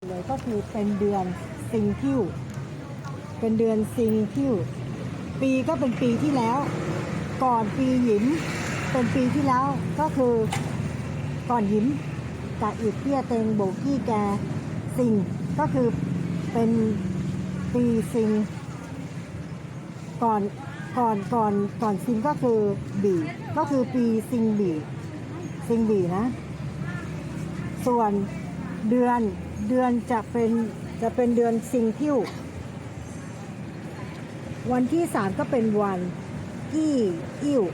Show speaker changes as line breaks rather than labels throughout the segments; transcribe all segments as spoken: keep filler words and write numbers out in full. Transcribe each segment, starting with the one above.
เลยก็คือเป็นเดือนซิงคิวเป็นเดือนซิงคิวปีก็เป็นปีที่แล้ว ก่อนปีหยิมเป็นปีที่แล้วก็คือก่อนหยิมกะอิดเตี้ยเต็งโบกี้แกซิงก็คือเป็นปีซิงก่อนก่อนก่อนก่อนซิงก็คือบีก็คือปีซิงบีซิงบีนะส่วนเดือนเดือนจะเป็นจะเป็นเดือนซิงคิววันที่สามก็เป็นวันกี้อิ้ว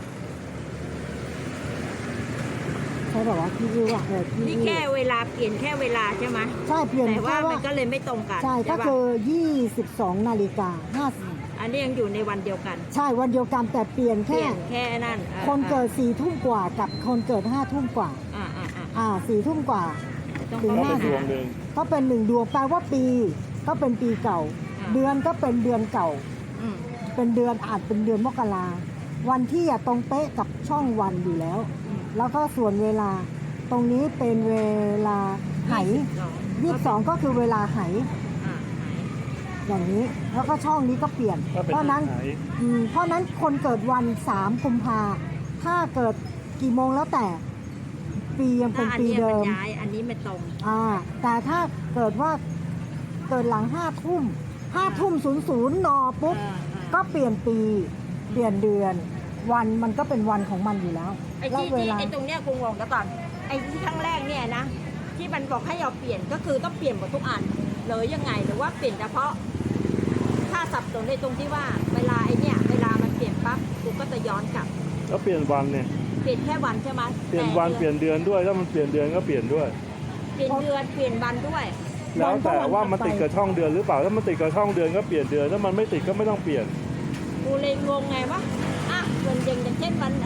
ใช่บอกว่ากี้อิ้วอ่ะเออกี้
นี่
อิ้ว
แค่เวลาเปลี่ยนแค่เวลาใช่ไหม
ใช่เปลี่ยน
แต่ว่า
แค่
มันก็เลยไม่ตรงกัน
ใช่ก็
ปะ
คือยี่สิบสองนาฬิกาห้า
อันนี้ยังอยู่ในวันเดียวกัน
ใช่วันเดียวกันแต่เปลี่ยน
เปลี่
แค่
ยนแค่นั่นออ
คนเกิดสี่ทุ่มกว่ากับคนเกิดห้าทุ่มกว่า
อ่าอ่าอ่า
อ่าสี่ทุ่มกว่า
ต้อง
ถึง
เข้า
ห้า
ไป
สิบ
หา
ก็เป็นหนึ่งดวงแปลว่าปีก็เป็นปีเก่า
อ่า
เดือนก็เป็นเดือนเก่า
อืม
เป็นเดือนอาจเป็นเดือนมกราวันที่อะตรงเป๊ะกับช่องวันอยู่แล้ว
อืม
แล้วก็ส่วนเวลาตรงนี้เป็นเวลาไห ยี่สิบสองก็คือเวลาไห
อ่าไห
อย่างนี้ แล้วก็ช่องนี้ก็เปลี่ยน
ก็เป็น
เพราะนั้น
ไหน
อืมเพราะนั้นคนเกิดวันสามกุมภาถ้าเกิดกี่โมงแล้วแต่ปียังเป็น
ถ้าอัน
ปี
นี้มั
เดิ
น
ม
ย้ายอันนี้ไม่ตรง
อ่าแต่ถ้าเกิดว่าเกิดหลังห้าทุ่มห้าทุ่มศูนย์ศูนย์นอปุ๊บ
อ่าอ่า
ก็เปลี่ยนปีเปลี่ยนเดือน วันมันก็เป็นวันของมันอยู่แล้ว
ไอ้
แล้ว
ที่
เว
ที่
ลา
ไอ้ตรงเนี้ยกูงงแล้วก่อนไอ้ที่ครั้งแรกเนี่ยนะที่มันบอกให้เราเปลี่ยนก็คือต้องเปลี่ยนหมดทุกอันเลยยังไงหรือว่าเปลี่ยนเฉพาะถ้าสับสนในตรงที่ว่าเวลาไอ้เนี่ยเวลามันเปลี่ยนปั๊บกูก็จะย้อนกลับ
แล้วเปลี่ยนวันเนี่ย
เปลี่ยนแค่วันใช่ไหม
เปลี่ยนวัน
แต่
เปลี่ยนเดือนด้วยถ้ามันเปลี่ยนเดือนก็เปลี่ยนด้วย
เปลี่ยนเดือนเปลี่ยนวันด้วย
แล้วแต่ว่ามันติดกับช่องเดือนหรือเปล่าถ้ามันติดกับช่องเดือนก็เปลี่ยนเดือนถ้ามันไม่ติดก็ไม่ต้องเปลี่ยน
กูเลยงงไงว่าอ่ะเดือนเย็นอย่างเช่นวัน